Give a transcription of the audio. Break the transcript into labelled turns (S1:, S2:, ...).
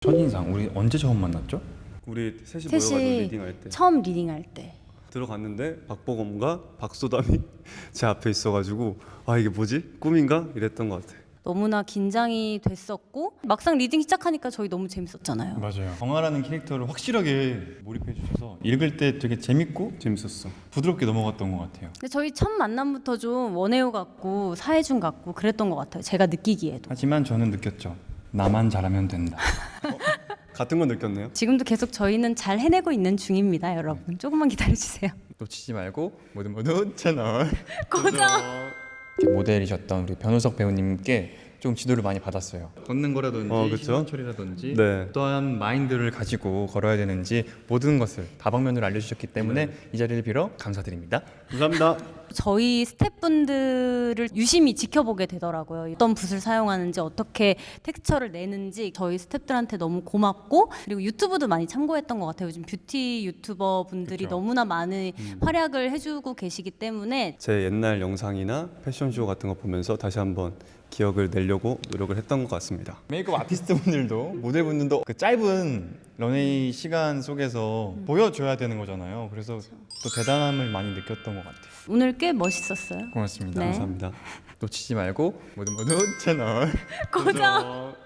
S1: 첫인상 우리 언제 처음 만났죠?
S2: 우리 셋이 모여가지고 리딩할 때
S3: 처음 리딩할 때
S2: 들어갔는데 박보검과 박소담이 제 앞에 있어가지고 아 이게 뭐지? 꿈인가? 이랬던 것 같아.
S3: 너무나 긴장이 됐었고 막상 리딩 시작하니까 저희 너무 재밌었잖아요.
S1: 맞아요. 정아라는 캐릭터를 확실하게 몰입해 주셔서 읽을 때 되게 재밌고
S2: 재밌었어.
S1: 부드럽게 넘어갔던 것 같아요.
S3: 근데 저희 첫 만남부터 좀 원혜우 같고 사혜준 같고 그랬던 것 같아요. 제가 느끼기에도.
S1: 하지만 저는 느꼈죠. 나만 잘하면 된다.
S2: 같은 건 느꼈네요.
S3: 지금도 계속 저희는 잘 해내고 있는 중입니다, 여러분. 조금만 기다려주세요.
S1: 놓치지 말고 모두 채널
S3: 고정.
S1: 모델이셨던 우리 변우석 배우님께 좀 지도를 많이 받았어요. 걷는 거라든지
S2: 그쵸?
S1: 시선 처리라든지
S2: 네.
S1: 어떠한 마인드를 가지고 걸어야 되는지 모든 것을 다방면으로 알려주셨기 때문에 이 자리를 빌어 감사드립니다.
S2: 감사합니다.
S3: 저희 스태프분들을 유심히 지켜보게 되더라고요. 어떤 붓을 사용하는지 어떻게 텍스처를 내는지 저희 스태프들한테 너무 고맙고 그리고 유튜브도 많이 참고했던 것 같아요. 요즘 뷰티 유튜버 분들이
S1: 그쵸.
S3: 너무나 많은 활약을 해주고 계시기 때문에
S2: 제 옛날 영상이나 패션쇼 같은 거 보면서 다시 한번 기억을 내려고 노력을 했던 것 같습니다.
S1: 메이크업 아티스트 분들도 모델분들도 그 짧은 런웨이 시간 속에서 보여줘야 되는 거잖아요. 그래서 또 대단함을 많이 느꼈던 것 같아요.
S3: 오늘 꽤 멋있었어요.
S1: 고맙습니다.
S3: 네.
S2: 감사합니다.
S1: 놓치지 말고 모두 채널
S3: 고정.